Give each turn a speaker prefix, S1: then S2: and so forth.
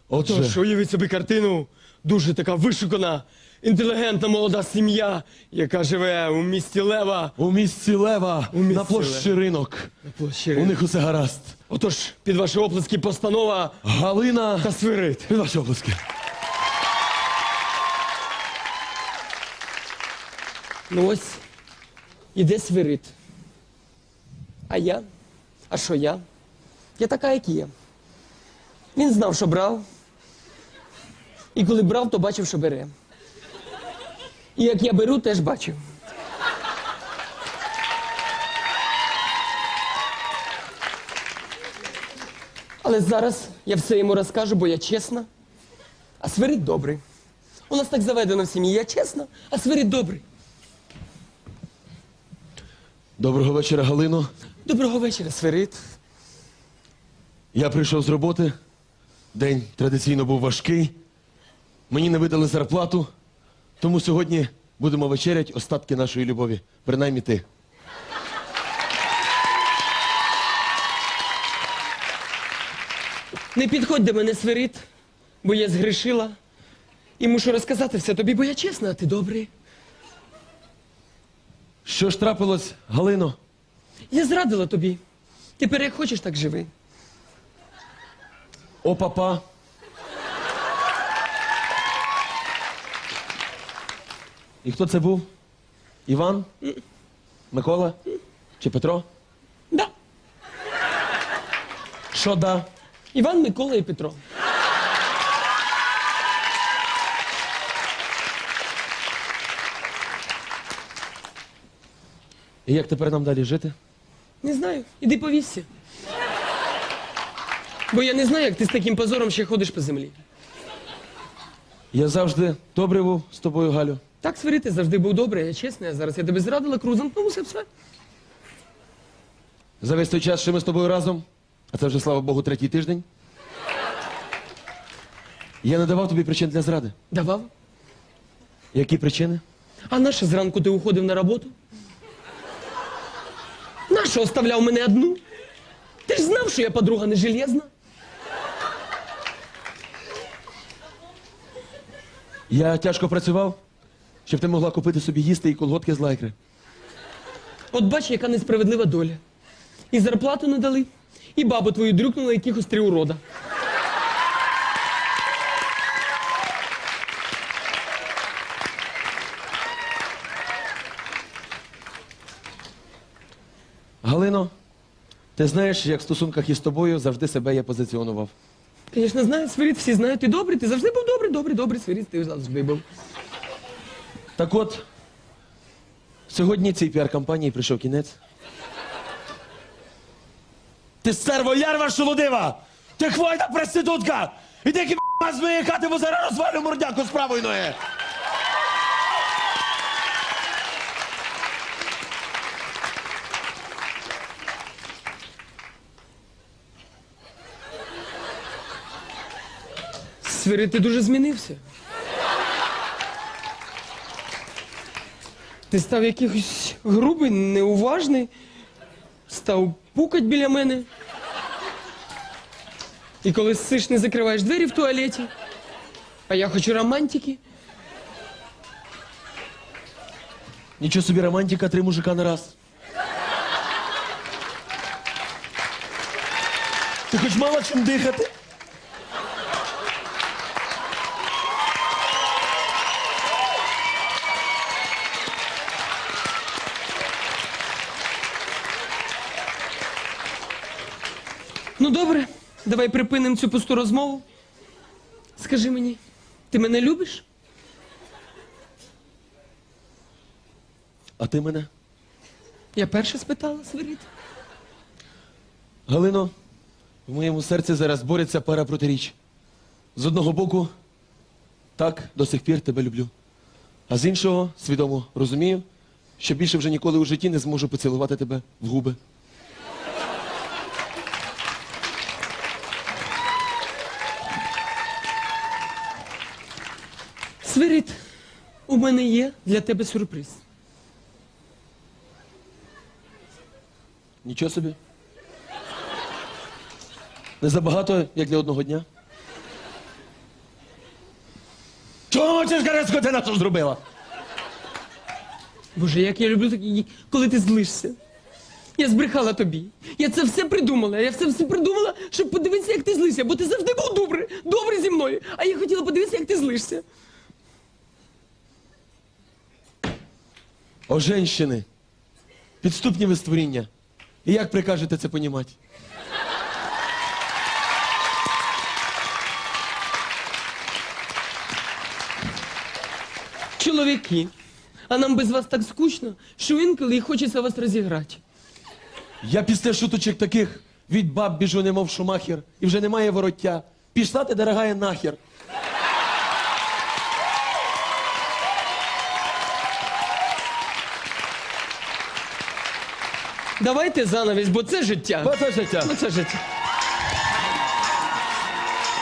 S1: Отож, уявіть собі картину, дуже така вишукана, інтелігентна молода сім'я, яка живе у місті Лева.
S2: У місті Лева, на площі Ринок. У них усе гаразд.
S1: Отож, під ваші оплески постанова
S2: Галина
S1: та Свирид.
S2: Під ваші оплески.
S1: Ну ось, іде Свирид. А я? А що я? Я така, як є. Він знав, що брав. І коли брав, то бачив, що бере. І як я беру, теж бачив. Але зараз я все йому розкажу, бо я чесна, а Свирид добрий. У нас так заведено в сім'ї. Я чесна, а Свирид добрий.
S2: Доброго вечора, Галино.
S1: Доброго вечора, Свирид.
S2: Я прийшов з роботи. День традиційно був важкий. Мені не видали зарплату. Тому сьогодні будемо вечерять остатки нашої любові. Принаймні ти.
S1: Не підходь до мене, Свирид, бо я згрішила. І мушу розказати все тобі, бо я чесна, а ти добрий.
S2: Що ж трапилось, Галино?
S1: Я зрадила тобі. Тепер як хочеш, так живи.
S2: О, папа. І хто це був? Іван? Микола? Чи Петро?
S1: Да.
S2: Що да?
S1: Іван, Микола і Петро.
S2: І як тепер нам далі жити?
S1: Не знаю. Іди повісся. Бо я не знаю, як ти з таким позором ще ходиш по землі.
S2: Я завжди добрий був з тобою, Галю.
S1: Так, Свирид, ти завжди був добрий, я чесна. А зараз я тебе зрадила, круг замкнувся, все.
S2: За весь той час, що ми з тобою разом, а це вже, слава Богу, третій тиждень, я не давав тобі причин для зради.
S1: Давав.
S2: Які причини?
S1: А нащо зранку ти уходив на роботу? Нащо оставляв мене одну? Ти ж знав, що я подруга не железна.
S2: Я тяжко працював, щоб ти могла купити собі їсти і колготки з лайкри.
S1: От бач, яка несправедлива доля. І зарплату не дали, і бабу твою дрюкнула якихось 3 урода.
S2: Галино, ти знаєш, як в стосунках із тобою завжди себе я позиціонував.
S1: Звісно, знають, Свирид, всі знають, ти добрий, ти завжди був добрий, Свирид, ти завжди був.
S2: Так от, сьогодні цій піар-кампанії прийшов кінець. Ти стерво-лярва шолодива! Ти хвойна проститутка! Іди к***а з моєї хати, бо зараз розвалю мордяку з правої ноги!
S1: Свирид, ти дуже змінився. Ти став якийсь грубий, неуважний, став пукать біля мене. І коли ссиш, не закриваєш двері в туалеті. А я хочу романтики.
S2: Нічого собі романтика, 3 мужика на раз. Ти хоч мала чим дихати?
S1: Ну добре, давай припинимо цю пусту розмову. Скажи мені, ти мене любиш?
S2: А ти мене?
S1: Я перша спитала, Свирид.
S2: Галино, в моєму серці зараз бореться пара протиріч. З одного боку, так, до сих пір тебе люблю. А з іншого, свідомо розумію, що більше вже ніколи у житті не зможу поцілувати тебе в губи.
S1: Свирид, у мене є для тебе сюрприз.
S2: Нічого собі. Не забагато, як для одного дня. Чого мовчиш, каже, скотина, що зробила?
S1: Боже, як я люблю, коли ти злишся. Я збрехала тобі. Я це все придумала. Я все придумала, щоб подивитися, як ти злишся. Бо ти завжди був добрий зі мною. А я хотіла подивитися, як ти злишся.
S2: О, женщини, підступні ви створіння. І як прикажете це понімати?
S1: Чоловіки, а нам без вас так скучно, що інколи і хочеться вас розіграти.
S2: Я після шуточок таких від баб біжу, немов шумахер, і вже немає вороття. Пішла ти, дорогая, нахер.
S1: Давайте занавість, бо це життя.
S2: Бо це життя.
S1: Бо це життя.